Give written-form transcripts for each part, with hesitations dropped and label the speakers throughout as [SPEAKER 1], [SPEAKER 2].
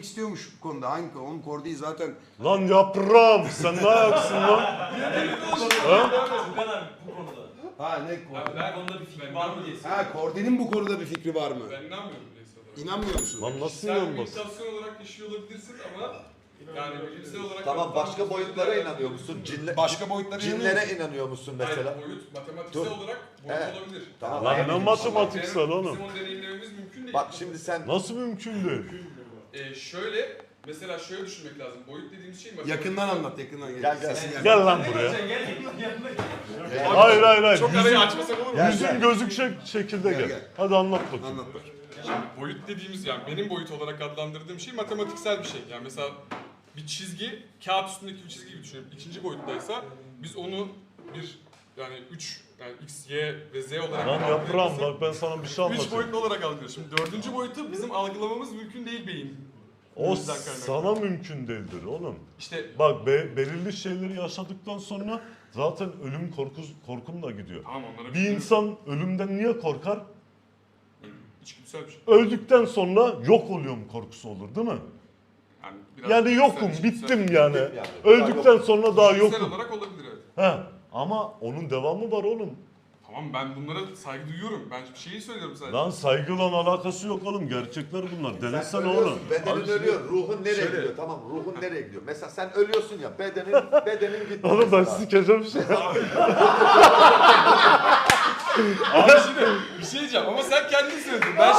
[SPEAKER 1] istiyormuş bu konuda. Hangi konu? Oğlum Kordi'yi zaten...
[SPEAKER 2] Lan yaprağım sen ne ayaksın lan?
[SPEAKER 3] Bu kadar bu konuda.
[SPEAKER 1] Ha ne Kordi?
[SPEAKER 3] Ben konuda bir fikir var mı diye
[SPEAKER 1] Ha Kordi'nin bu konuda bir fikri var mı?
[SPEAKER 4] Ben inanmıyorum bireysel olarak.
[SPEAKER 1] İnanmıyor musun?
[SPEAKER 2] Lan nasıl
[SPEAKER 4] Sen
[SPEAKER 2] inanmaz?
[SPEAKER 4] meditasyon olarak yaşıyor olabilirsin ama yani bilimsel olarak...
[SPEAKER 5] Tamam başka boyutlara inanıyor musun?
[SPEAKER 1] Başka boyutlara inanıyor
[SPEAKER 5] Cinlere
[SPEAKER 1] musun?
[SPEAKER 5] inanıyor musun mesela?
[SPEAKER 4] Hayır, boyut matematiksel
[SPEAKER 5] Dur.
[SPEAKER 4] olarak boyut
[SPEAKER 5] Evet.
[SPEAKER 4] olabilir.
[SPEAKER 5] Tamam.
[SPEAKER 2] Lan
[SPEAKER 5] Aynen.
[SPEAKER 2] ne matematiksel oğlum?
[SPEAKER 4] Bizim onu deneyimlememiz mümkün değil.
[SPEAKER 5] Bak şimdi sen
[SPEAKER 2] Nasıl mümkün değil?
[SPEAKER 4] Şöyle, mesela şöyle düşünmek lazım. Boyut dediğimiz şey
[SPEAKER 1] Yakından anlat, yakından gel.
[SPEAKER 5] Gel, gel.
[SPEAKER 1] Sesin geldi.
[SPEAKER 2] Gel lan buraya.
[SPEAKER 3] Gel.
[SPEAKER 2] Hayır hayır hayır.
[SPEAKER 4] Çok arayı açmasak olur mu?
[SPEAKER 5] Gel.
[SPEAKER 2] Yüzün gözükecek şekilde
[SPEAKER 1] Gel,
[SPEAKER 2] gel.
[SPEAKER 1] gel.
[SPEAKER 2] Hadi anlat bakayım.
[SPEAKER 1] Anlat bak.
[SPEAKER 4] Şimdi boyut dediğimiz yani benim boyut olarak adlandırdığım şey matematiksel bir şey. Yani mesela bir çizgi, kağıt üstündeki bir çizgi gibi düşünelim. İkinci boyuttaysa biz onu bir yani 3 yani x, y ve z olarak
[SPEAKER 2] Lan yaprağım
[SPEAKER 4] algılayabilirsek-
[SPEAKER 2] bak ben sana bir şey
[SPEAKER 4] 3
[SPEAKER 2] anlatayım.
[SPEAKER 4] boyutlu olarak algılıyoruz. Şimdi dördüncü boyutu bizim algılamamız mümkün değil beyin.
[SPEAKER 2] O
[SPEAKER 4] Bizden kaynaklı.
[SPEAKER 2] sana mümkün değildir oğlum.
[SPEAKER 4] İşte
[SPEAKER 2] Bak belirli şeyleri yaşadıktan sonra zaten ölüm korkun da gidiyor.
[SPEAKER 4] tamam onlara
[SPEAKER 2] Bir insan ölümden niye korkar?
[SPEAKER 4] içgüdüsel bir şey.
[SPEAKER 2] Öldükten sonra yok oluyorum korkusu olur değil mi?
[SPEAKER 4] Yani, biraz
[SPEAKER 2] Yani
[SPEAKER 4] içgüdüsel,
[SPEAKER 2] yokum,
[SPEAKER 4] içgüdüsel.
[SPEAKER 2] bittim yani.
[SPEAKER 5] yani.
[SPEAKER 2] Öldükten sonra daha
[SPEAKER 4] İçgüdüsel
[SPEAKER 2] yokum.
[SPEAKER 4] olarak olabilir evet.
[SPEAKER 2] He. Ama onun devamı var oğlum.
[SPEAKER 4] Tamam ben bunlara saygı duyuyorum. Ben bir şeyi söylüyorum sadece.
[SPEAKER 2] Lan saygıyla alakası yok oğlum. Gerçekler bunlar.
[SPEAKER 5] sen
[SPEAKER 2] Denesene
[SPEAKER 5] ölüyorsun,
[SPEAKER 2] oğlum.
[SPEAKER 5] bedenin
[SPEAKER 4] Abi
[SPEAKER 5] ölüyor, ruhun nereye
[SPEAKER 4] şöyle-
[SPEAKER 5] gidiyor? Tamam, ruhun nereye gidiyor? Mesela sen ölüyorsun ya, bedenin gitti.
[SPEAKER 2] Oğlum ben
[SPEAKER 5] mesela.
[SPEAKER 2] sikeceğim şey.
[SPEAKER 4] Abi şimdi bir şey diyeceğim ama sen kendin söyledin. Ben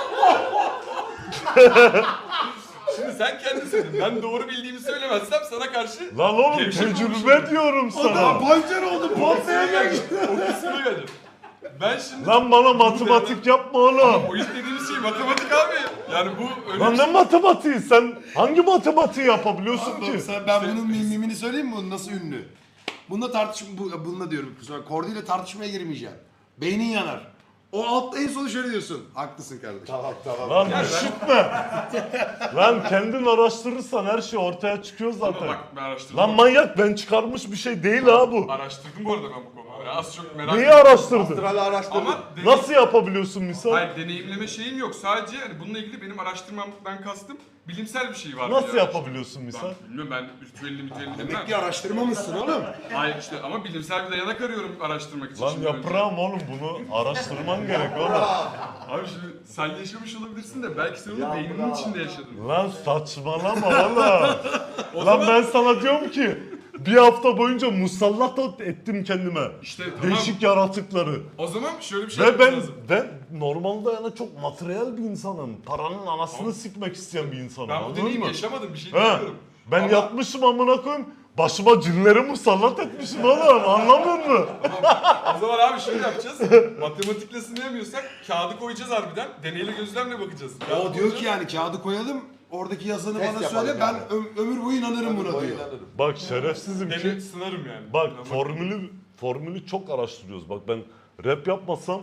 [SPEAKER 4] şimdi sen kendin söyledin. Ben doğru bildiğimi söylemezsem sana karşı
[SPEAKER 2] Lan oğlum
[SPEAKER 4] Gevşek
[SPEAKER 2] tecrübe diyorum sana.
[SPEAKER 1] Pancar oldu, patlaya geldi.
[SPEAKER 4] o kısmına geldim. Ben şimdi
[SPEAKER 2] Lan bana matematik yapma oğlum.
[SPEAKER 4] boyut dediğimiz şey matematik abi. Yani bu öyle
[SPEAKER 2] Lan
[SPEAKER 4] bir
[SPEAKER 2] ne
[SPEAKER 4] şey.
[SPEAKER 2] matematiği? Sen hangi matematiği yapabiliyorsun ki?
[SPEAKER 1] Ben bunun mimini söyleyeyim mi? Bunun nasıl ünlü? Bununla bununla diyorum. Sonra Kordi ile tartışmaya girmeyeceğim. Beynin yanar. O altta en sonu şöyle diyorsun. Haklısın kardeşim.
[SPEAKER 5] Tamam.
[SPEAKER 2] Lan üşütme. Lan kendin araştırırsan her şey ortaya çıkıyor
[SPEAKER 4] Ama
[SPEAKER 2] zaten.
[SPEAKER 4] bak ben araştırdım.
[SPEAKER 2] Lan manyak ben çıkarmış bir şey değil ha bu.
[SPEAKER 4] Araştırdım bu arada ben bu konuları. Az çok merak
[SPEAKER 2] Neyi
[SPEAKER 4] ettim.
[SPEAKER 2] araştırdın?
[SPEAKER 5] Astral'i araştırdın.
[SPEAKER 4] Ama
[SPEAKER 2] Nasıl yapabiliyorsun misal?
[SPEAKER 4] Hayır deneyimleme şeyim yok. Sadece hani bununla ilgili benim araştırmamdan kastım bilimsel bir şey var.
[SPEAKER 2] Nasıl
[SPEAKER 4] yani.
[SPEAKER 2] yapabiliyorsun misal?
[SPEAKER 4] Ben bilmiyorum ben ritüelli
[SPEAKER 1] Demek
[SPEAKER 4] bilmem.
[SPEAKER 1] ki araştırmamışsın oğlum.
[SPEAKER 4] Hayır işte ama bilimsel bir dayanak arıyorum araştırmak için.
[SPEAKER 2] Lan
[SPEAKER 4] şimdi önce.
[SPEAKER 2] yaprağım oğlum bunu araştırman gerek oğlum.
[SPEAKER 4] Abi şimdi sen yaşamış olabilirsin de belki sen onu
[SPEAKER 5] Ya
[SPEAKER 4] beyninin
[SPEAKER 5] bravo.
[SPEAKER 4] içinde yaşadın.
[SPEAKER 2] Lan saçmalama oğlum.
[SPEAKER 4] O
[SPEAKER 2] Lan
[SPEAKER 4] zaman
[SPEAKER 2] ben sana diyorum ki bir hafta boyunca musallat ettim kendime.
[SPEAKER 4] işte tamam.
[SPEAKER 2] Değişik yaratıkları.
[SPEAKER 4] O zaman şöyle bir şey
[SPEAKER 2] Ve
[SPEAKER 4] yapmamız
[SPEAKER 2] ben
[SPEAKER 4] lazım.
[SPEAKER 2] normalde yani çok materyal bir insanım. Paranın anasını sikmek isteyen bir insanım.
[SPEAKER 4] Ben bu
[SPEAKER 2] Anladın
[SPEAKER 4] deneyimi
[SPEAKER 2] mı?
[SPEAKER 4] yaşamadım bir şey
[SPEAKER 2] He.
[SPEAKER 4] bilmiyorum.
[SPEAKER 2] Ben
[SPEAKER 4] Ama-
[SPEAKER 2] yatmışım amına koyayım. Başıma cinleri musallat etmişim oğlum. Anlamıyor musun?
[SPEAKER 4] O zaman abi şöyle yapacağız. Matematikle sınayamıyorsak kağıdı koyacağız harbiden. Deneyli gözlemle bakacağız.
[SPEAKER 1] O diyor ki yani kağıdı koyalım. Oradaki yazanı
[SPEAKER 5] Test
[SPEAKER 1] bana
[SPEAKER 5] yapalım
[SPEAKER 1] söyle. Ben
[SPEAKER 5] yani.
[SPEAKER 1] ömür boyu inanırım buna
[SPEAKER 5] Boyu
[SPEAKER 1] diyor.
[SPEAKER 5] inanırım.
[SPEAKER 2] Bak şerefsizim ki.
[SPEAKER 4] Dene sınarım yani.
[SPEAKER 2] Bak
[SPEAKER 4] Ama-
[SPEAKER 2] formülü çok araştırıyoruz. Bak ben rap yapmasam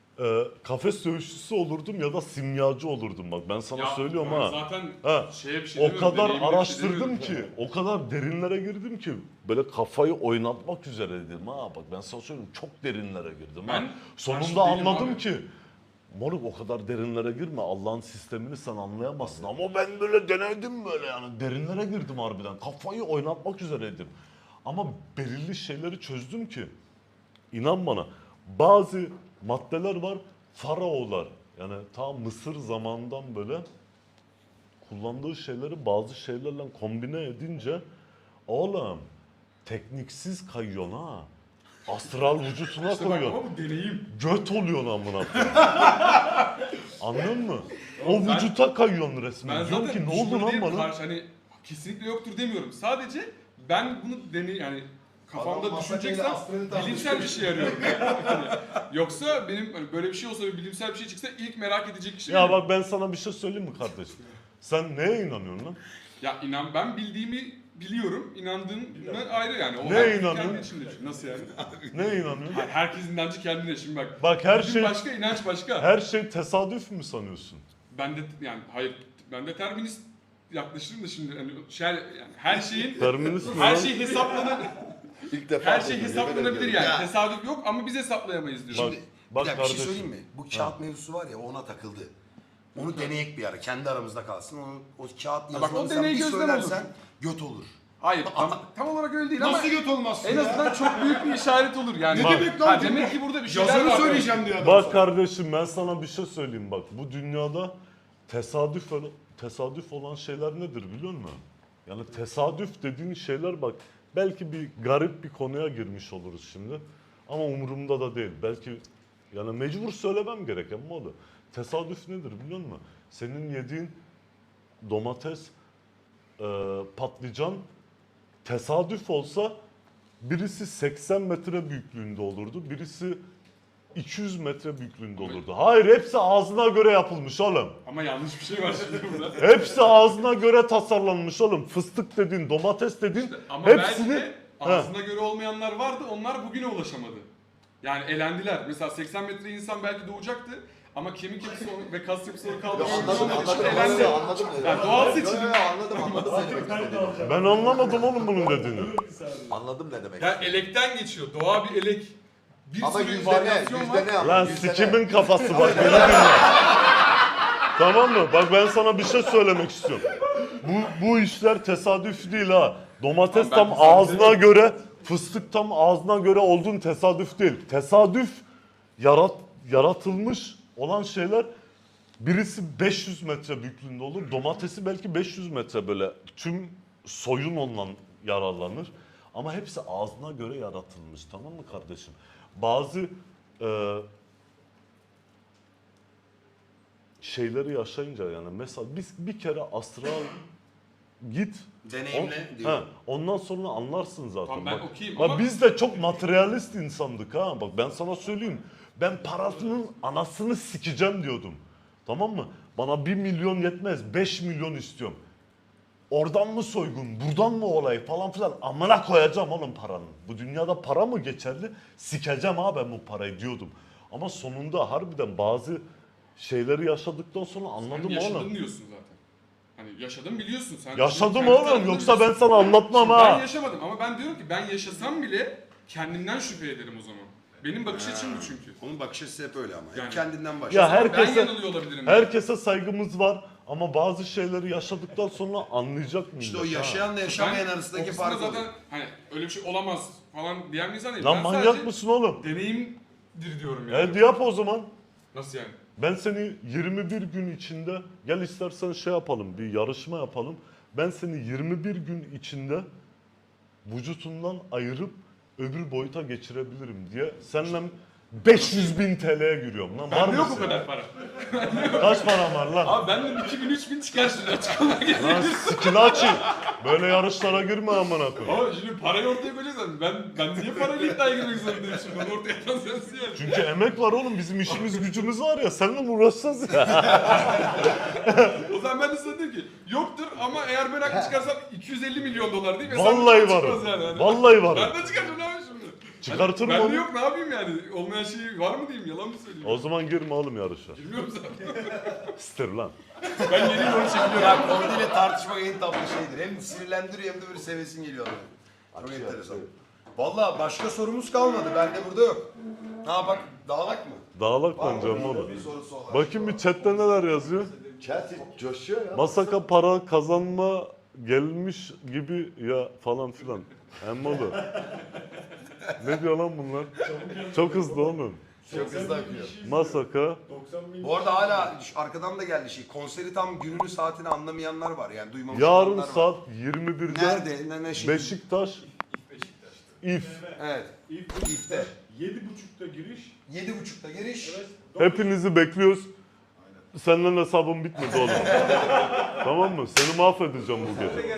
[SPEAKER 2] kafes dövüşçüsü olurdum ya da simyacı olurdum. Bak ben sana
[SPEAKER 4] Ya
[SPEAKER 2] söylüyorum
[SPEAKER 4] ben
[SPEAKER 2] ha.
[SPEAKER 4] Zaten
[SPEAKER 2] Ha.
[SPEAKER 4] şeye bir şey
[SPEAKER 2] O
[SPEAKER 4] demiyorum,
[SPEAKER 2] kadar
[SPEAKER 4] deneyimle bir şey
[SPEAKER 2] araştırdım
[SPEAKER 4] demiyorum.
[SPEAKER 2] ki, o kadar derinlere girdim ki böyle kafayı oynatmak üzereydim ha. Bak ben sana söyleyeyim çok derinlere girdim ha.
[SPEAKER 4] Ben
[SPEAKER 2] Sonunda
[SPEAKER 4] karşı değilim
[SPEAKER 2] anladım
[SPEAKER 4] abi.
[SPEAKER 2] ki moruk o kadar derinlere girme Allah'ın sistemini sen anlayamazsın ama ben böyle denedim böyle yani derinlere girdim harbiden kafayı oynatmak üzereydim. Ama belirli şeyleri çözdüm ki inan bana bazı maddeler var faraolar yani ta Mısır zamanından böyle kullandığı şeyleri bazı şeylerle kombine edince oğlum tekniksiz kayıyorsun ha. Astral vücutuna
[SPEAKER 4] İşte bak
[SPEAKER 2] koyuyorsun.
[SPEAKER 4] ama bu deneyim.
[SPEAKER 2] Göt oluyorsun amına koyayım. Anladın mı? O
[SPEAKER 4] Ben-
[SPEAKER 2] vücuta kayıyorsun resmen.
[SPEAKER 4] Ben
[SPEAKER 2] Diyorum
[SPEAKER 4] zaten
[SPEAKER 2] ki ne oldu
[SPEAKER 4] düşmanı
[SPEAKER 2] lan
[SPEAKER 4] değilim,
[SPEAKER 2] bana?
[SPEAKER 4] hani kesinlikle yoktur demiyorum. Sadece ben bunu yani kafamda
[SPEAKER 1] Adam
[SPEAKER 4] düşüneceksem
[SPEAKER 1] masakayla astralı
[SPEAKER 4] bilimsel bir şey arıyorum. Yani yoksa benim hani böyle bir şey olsa ve bilimsel bir şey çıksa ilk merak edecek kişi
[SPEAKER 2] Ya
[SPEAKER 4] benim.
[SPEAKER 2] bak ben sana bir şey söyleyeyim mi kardeşim? Sen neye inanıyorsun lan?
[SPEAKER 4] Ya inan ben bildiğimi biliyorum. İnandığım ayrı yani. O
[SPEAKER 2] Neye
[SPEAKER 4] herkesin
[SPEAKER 2] inanıyorsun?
[SPEAKER 4] kendi içinde. Nasıl yani?
[SPEAKER 2] Neye inanıyorsun?
[SPEAKER 4] Hayır, herkes inancı kendine şimdi bak.
[SPEAKER 2] Bak her
[SPEAKER 4] Din
[SPEAKER 2] şey
[SPEAKER 4] başka, inanç başka.
[SPEAKER 2] her şey tesadüf mü sanıyorsun?
[SPEAKER 4] Ben de yani hayır ben de terminist yaklaşırım da şimdi hani yani her şeyin
[SPEAKER 2] Terminist mi
[SPEAKER 4] her
[SPEAKER 2] lan?
[SPEAKER 4] şey hesaplanır.
[SPEAKER 5] İlk defa
[SPEAKER 4] Her şey
[SPEAKER 5] duydum,
[SPEAKER 4] hesaplanabilir
[SPEAKER 5] yemin
[SPEAKER 4] yani.
[SPEAKER 1] Ya.
[SPEAKER 4] Tesadüf yok ama biz hesaplayamayız diyor.
[SPEAKER 2] Bak,
[SPEAKER 1] Şimdi
[SPEAKER 2] bak
[SPEAKER 1] bir dakika bir şey
[SPEAKER 2] kardeşim.
[SPEAKER 1] söyleyeyim mi? Bu kağıt mevzusu var ya ona takıldı. Onu deneyek bir ara. Kendi aramızda kalsın. O kağıt
[SPEAKER 6] bak, o
[SPEAKER 1] yazılarını sen
[SPEAKER 6] deney
[SPEAKER 1] bir
[SPEAKER 6] gözlem
[SPEAKER 1] söylersen göt olur.
[SPEAKER 6] Hayır tam olarak öyle değil ama
[SPEAKER 1] Nasıl göt olmazsın
[SPEAKER 6] en
[SPEAKER 1] ya?
[SPEAKER 6] azından çok büyük bir işaret olur yani.
[SPEAKER 1] Ne demek lan?
[SPEAKER 6] Ha, demek ki burada bir şeyler
[SPEAKER 1] Yazarı
[SPEAKER 6] var.
[SPEAKER 1] söyleyeceğim diyor adam.
[SPEAKER 2] Bak
[SPEAKER 1] sana.
[SPEAKER 2] kardeşim ben sana bir şey söyleyeyim bak. Bu dünyada tesadüf olan şeyler nedir biliyor musun? Yani tesadüf dediğin şeyler bak belki bir garip bir konuya girmiş oluruz şimdi. Ama umurumda da değil. Belki yani mecbur söylemem gereken mi o da? Tesadüf nedir biliyor musun? Senin yediğin domates, patlıcan tesadüf olsa birisi 80 metre büyüklüğünde olurdu. Birisi 200 metre büyüklüğünde olurdu. Hayır hepsi ağzına göre yapılmış oğlum.
[SPEAKER 6] Ama yanlış bir şey var şimdi burada.
[SPEAKER 2] Hepsi ağzına göre tasarlanmış oğlum. Fıstık dedin, domates dedin.
[SPEAKER 6] Ama
[SPEAKER 2] hepsini...
[SPEAKER 6] belki de ağzına göre olmayanlar vardı, onlar bugüne ulaşamadı. Yani elendiler. Mesela 80 metre insan belki doğacaktı ama kemik yapısı ve kas yapısı onu
[SPEAKER 5] Yo,
[SPEAKER 6] kaldırmak
[SPEAKER 5] anladım
[SPEAKER 6] için elendi.
[SPEAKER 5] anladım.
[SPEAKER 6] Yani doğal seçilim.
[SPEAKER 5] Anladım ne demek istediğini.
[SPEAKER 2] Ben anlamadım oğlum bunun dediğini.
[SPEAKER 5] Anladım ne demek
[SPEAKER 6] Yani
[SPEAKER 5] istediğini.
[SPEAKER 6] elekten geçiyor. Doğa bir elek. Bir
[SPEAKER 5] Ama
[SPEAKER 6] sürü
[SPEAKER 5] yüzde ne?
[SPEAKER 6] varyasyon var.
[SPEAKER 5] Yüzde ne?
[SPEAKER 2] Lan
[SPEAKER 5] Yüzde ne?
[SPEAKER 2] sikimin kafası bak beni dinle. Tamam mı? Bak ben sana bir şey söylemek istiyorum. Bu işler tesadüf değil ha. Domates
[SPEAKER 6] Tamam,
[SPEAKER 2] tam
[SPEAKER 6] ben
[SPEAKER 2] ağzına göre, fıstık tam ağzına göre olduğun tesadüf değil. Tesadüf yaratılmış olan şeyler birisi 500 metre büyüklüğünde olur. Domatesi belki 500 metre böyle tüm soyun ondan yararlanır. Ama hepsi ağzına göre yaratılmış tamam mı kardeşim? Bazı şeyleri yaşayınca yani mesela biz bir kere astral git.
[SPEAKER 1] Deneyimle
[SPEAKER 2] Ha,
[SPEAKER 1] diyor.
[SPEAKER 2] ondan sonra anlarsın zaten.
[SPEAKER 6] Tamam, ben
[SPEAKER 2] Bak,
[SPEAKER 6] okeyim
[SPEAKER 2] bak
[SPEAKER 6] ama-
[SPEAKER 2] biz de çok materyalist insandık ha. Bak ben sana söyleyeyim. Ben parasının anasını sikeceğim diyordum. Tamam mı? Bana 1 milyon yetmez. 5 milyon istiyorum. Oradan mı soygun, buradan mı olay falan filan. Amına koyacağım oğlum paranın. Bu dünyada para mı geçerli? Sikeceğim ha ben bu parayı diyordum. Ama sonunda harbiden bazı şeyleri yaşadıktan sonra anladım
[SPEAKER 6] Sen yaşadın
[SPEAKER 2] oğlum.
[SPEAKER 6] diyorsun zaten. Hani yaşadım biliyorsun sen.
[SPEAKER 2] Yaşadım
[SPEAKER 6] Kendi
[SPEAKER 2] oğlum
[SPEAKER 6] tarafından
[SPEAKER 2] yoksa ben
[SPEAKER 6] biliyorsun.
[SPEAKER 2] sana anlatmam
[SPEAKER 6] Şimdi
[SPEAKER 2] ha.
[SPEAKER 6] Ben yaşamadım ama ben diyorum ki ben yaşasam bile kendimden şüphe ederim o zaman. Benim bakış açım bu çünkü.
[SPEAKER 1] Onun bakış açısı hep öyle ama.
[SPEAKER 6] Yani-
[SPEAKER 1] Kendinden başla.
[SPEAKER 2] Ya
[SPEAKER 6] Ben
[SPEAKER 2] herkese
[SPEAKER 6] yanılıyor olabilirim.
[SPEAKER 2] herkese saygımız var ama bazı şeyleri yaşadıktan sonra anlayacak mıyız?
[SPEAKER 1] İşte o yaşayanla yaşamayan arasındaki
[SPEAKER 6] o kısmında
[SPEAKER 1] fark
[SPEAKER 6] zaten
[SPEAKER 1] oluyor.
[SPEAKER 6] hani öyle bir şey olamaz falan diyen bir insan değilim.
[SPEAKER 2] Lan
[SPEAKER 6] Ben
[SPEAKER 2] manyak
[SPEAKER 6] sadece
[SPEAKER 2] mısın oğlum?
[SPEAKER 6] deneyimdir diyorum yani.
[SPEAKER 2] Hadi yap o zaman.
[SPEAKER 6] Nasıl yani?
[SPEAKER 2] Ben seni 21 gün içinde gel istersen şey yapalım bir yarışma yapalım. Ben seni 21 gün içinde vücutundan ayırıp öbür boyuta geçirebilirim diye seninle 500.000 TL'ye giriyorum lan. Var
[SPEAKER 6] Bende yok o
[SPEAKER 2] mısın?
[SPEAKER 6] kadar para.
[SPEAKER 2] Kaç param var lan?
[SPEAKER 6] Abi benden 2000-3000 çıkar şimdi açıklama gelir.
[SPEAKER 2] Lan skillaçı. Böyle yarışlara girme amına koyayım.
[SPEAKER 6] Ama şimdi parayı ortaya koyacaksın. Ben niye parayla iddiaya girmek zorundayım şimdi? Onu ortaya atan sensin yani.
[SPEAKER 2] Çünkü emek var oğlum bizim işimiz gücümüz var ya seninle mi uğraşacağız ya?
[SPEAKER 6] O zaman ben de sana dedim ki yoktur ama eğer ben haklı çıkarsam 250 milyon dolar değil mi?
[SPEAKER 2] Vallahi varım.
[SPEAKER 6] Yani.
[SPEAKER 2] Vallahi varım.
[SPEAKER 6] Ben de çıkartacağım ne yapayım şimdi?
[SPEAKER 2] Çıkartırım
[SPEAKER 6] Ben de
[SPEAKER 2] onu.
[SPEAKER 6] yok ne yapayım yani? Olmayan şey var mı diyeyim yalan mı söyleyeyim?
[SPEAKER 2] O zaman girme oğlum yarışa.
[SPEAKER 6] Bilmiyorum zaten.
[SPEAKER 2] İster lan.
[SPEAKER 6] Ben yeni yol çekiliyorum.
[SPEAKER 1] Ya Kordi ile tartışmak en tatlı şeydir. Hem sinirlendiriyor hem de böyle sevesin geliyor adamı. Çok enteresan. Valla başka sorumuz kalmadı. Bende burada yok. Ha bak dağlak mı?
[SPEAKER 2] Dağlak
[SPEAKER 1] Var
[SPEAKER 2] bence
[SPEAKER 1] mı?
[SPEAKER 2] oğlum.
[SPEAKER 1] Bir sorusu olan.
[SPEAKER 2] Bakayım bir chatte neler yazıyor.
[SPEAKER 5] Chat coşuyor ya.
[SPEAKER 2] Masaka para kazanma gelmiş gibi ya falan filan. Emmoğlu. Ne diyor lan bunlar? Çok hızlı oğlum.
[SPEAKER 1] Çok hızlı akıyor.
[SPEAKER 2] Masaka.
[SPEAKER 1] Bu arada hala arkadan da geldi şey. Konseri tam gününü saatini anlamayanlar var yani duymamış
[SPEAKER 2] Yarın
[SPEAKER 1] olanlar var.
[SPEAKER 2] saat 21'de
[SPEAKER 1] Nerede? Ne şey?
[SPEAKER 2] Beşiktaş İF.
[SPEAKER 1] Evet. İfte.
[SPEAKER 3] 7.30'da giriş.
[SPEAKER 1] 7.30'da giriş.
[SPEAKER 2] Hepinizi bekliyoruz. Senden hesabım bitmedi oğlum. Tamam mı? Seni mahvedeceğim bu gece.